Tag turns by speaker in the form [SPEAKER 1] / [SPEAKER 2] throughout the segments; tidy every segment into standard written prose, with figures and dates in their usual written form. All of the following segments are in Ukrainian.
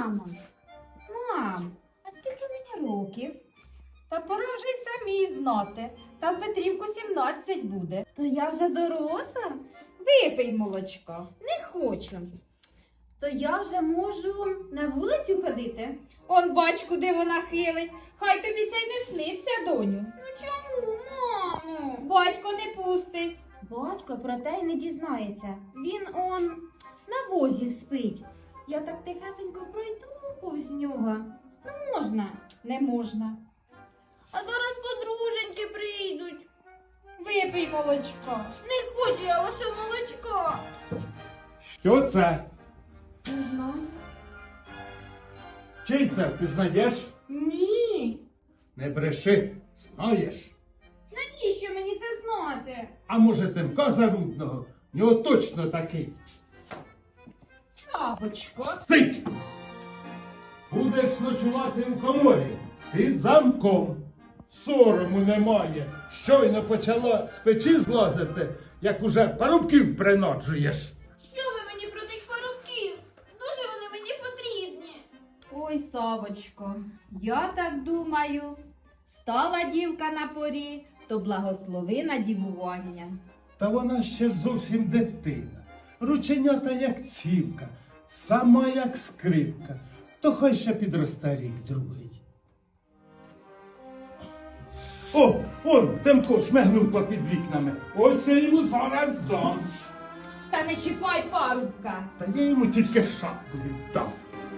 [SPEAKER 1] Мам, а скільки мені років?
[SPEAKER 2] Та пора вже й самі знати. Та в Петрівку 17 буде.
[SPEAKER 1] То я вже доросла?
[SPEAKER 2] Випий молочка.
[SPEAKER 1] Не хочу. То я вже можу на вулицю ходити?
[SPEAKER 2] Он бач, куди вона хилить. Хай тобі це й не сниться, доню.
[SPEAKER 1] Ну чому, мамо?
[SPEAKER 2] Батько не пустить.
[SPEAKER 1] Батько про те й не дізнається. Він на возі спить. Я так тихесенько пройду повз нього. Ну можна.
[SPEAKER 2] Не можна.
[SPEAKER 1] А зараз подруженьки прийдуть.
[SPEAKER 2] Випий молочка.
[SPEAKER 1] Не хочу я вашого молочка.
[SPEAKER 3] Що це?
[SPEAKER 1] Не знаю.
[SPEAKER 3] Чий це впізнаєш?
[SPEAKER 1] Ні.
[SPEAKER 3] Не бреши, знаєш.
[SPEAKER 1] Навіщо мені це знати?
[SPEAKER 3] А може Тимка Зарудного? В нього точно такий.
[SPEAKER 2] Савочко.
[SPEAKER 3] Сить! Будеш ночувати в коморі під замком. Сорому немає. Щойно почала з печі злазити, як уже парубків приноджуєш.
[SPEAKER 1] Що ви мені про тих парубків? Дуже вони мені потрібні.
[SPEAKER 2] Ой, Савочко, я так думаю, стала дівка на порі, то благослови на дівування.
[SPEAKER 3] Та вона ще ж зовсім дитина. Рученята як цівка, сама як скрипка. То хай ще підросте рік другий. О, он, Тимко шмигнув попід вікнами. Ось я йому зараз дам.
[SPEAKER 2] Та не чіпай парубка.
[SPEAKER 3] Та я йому тільки шапку віддам.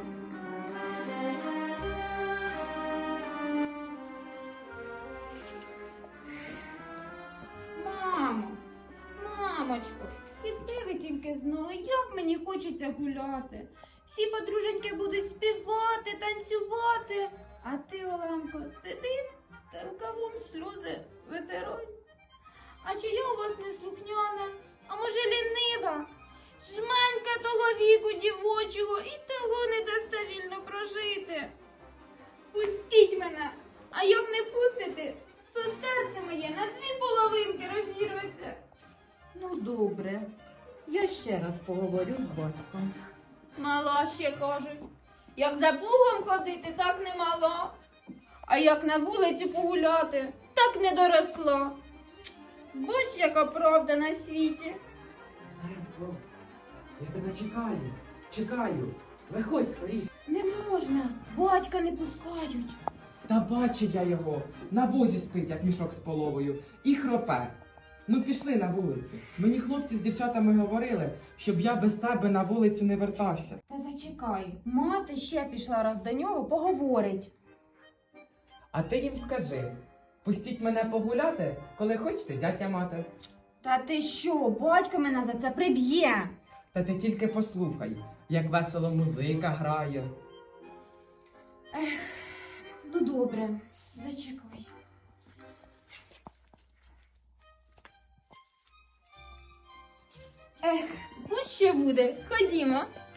[SPEAKER 1] Мамо, мамочко, і де ви тільки знали, як мені хочеться гуляти. Всі подруженьки будуть співати, танцювати, а ти, Оленко, сиди та рукавом сльози витирай. А чи я у вас не слухняна, а може лінива? Жменька того віку дівочого і того не дасте вільно прожити. Пустіть мене, а як не пустите, то серце моє на дві половинки розірветься.
[SPEAKER 2] Ну, добре. Я ще раз поговорю з батьком.
[SPEAKER 1] Мала ще кажуть. Як за плугом ходити, так не мала. А як на вулиці погуляти, так не доросла. Бач, яка правда на світі.
[SPEAKER 4] Марко, я тебе чекаю. Виходь скоріше.
[SPEAKER 1] Не можна, батька не пускають.
[SPEAKER 4] Та бачу я його. На возі спить, як мішок з половою. І хропе. Ну пішли на вулицю. Мені хлопці з дівчатами говорили, щоб я без тебе на вулицю не вертався.
[SPEAKER 1] Та зачекай, мати ще пішла раз до нього, поговорить.
[SPEAKER 4] А ти їм скажи, пустіть мене погуляти, коли хочете зятя мати.
[SPEAKER 1] Та ти що, батько мене за це приб'є.
[SPEAKER 4] Та ти тільки послухай, як весело музика грає.
[SPEAKER 1] Ну добре, зачекай. Ех, ну що буде? Ходімо.